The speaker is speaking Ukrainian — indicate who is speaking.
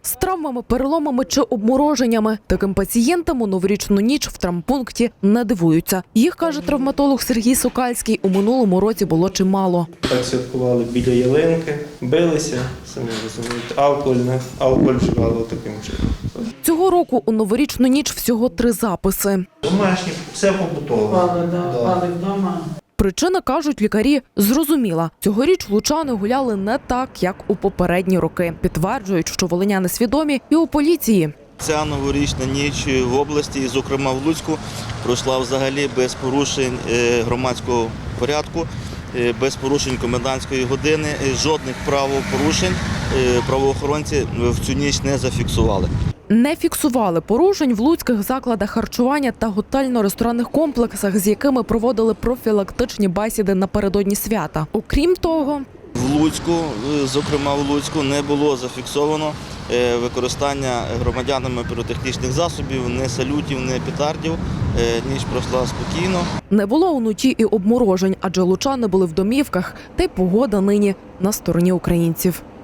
Speaker 1: з травмами, переломами чи обмороженнями. Таким пацієнтам у новорічну ніч в травмпункті не дивуються. Їх, каже травматолог Сергій Сокальський, у минулому році було чимало.
Speaker 2: Так святкували біля ялинки, билися, самі розумієте, алкоголь вживали таким чином.
Speaker 1: Цього року у новорічну ніч всього 3 записи.
Speaker 2: Домашні, все побутово.
Speaker 3: Пали вдома.
Speaker 1: Причина, кажуть лікарі, зрозуміла. Цьогоріч лучани гуляли не так, як у попередні роки. Підтверджують, що волиняни свідомі і у поліції.
Speaker 4: Ця новорічна ніч в області, і, зокрема в Луцьку, пройшла взагалі без порушень громадського порядку, без порушень комендантської години, жодних правопорушень правоохоронці в цю ніч не зафіксували.
Speaker 1: Не фіксували порушень в луцьких закладах харчування та готельно-ресторанних комплексах, з якими проводили профілактичні бесіди напередодні свята. Окрім того,
Speaker 4: В Луцьку, зокрема в Луцьку, не було зафіксовано використання громадянами піротехнічних засобів, ні салютів, ні петардів. Ніч пройшла спокійно.
Speaker 1: не було уночі і обморожень, адже лучани були в домівках, та й погода нині на стороні українців.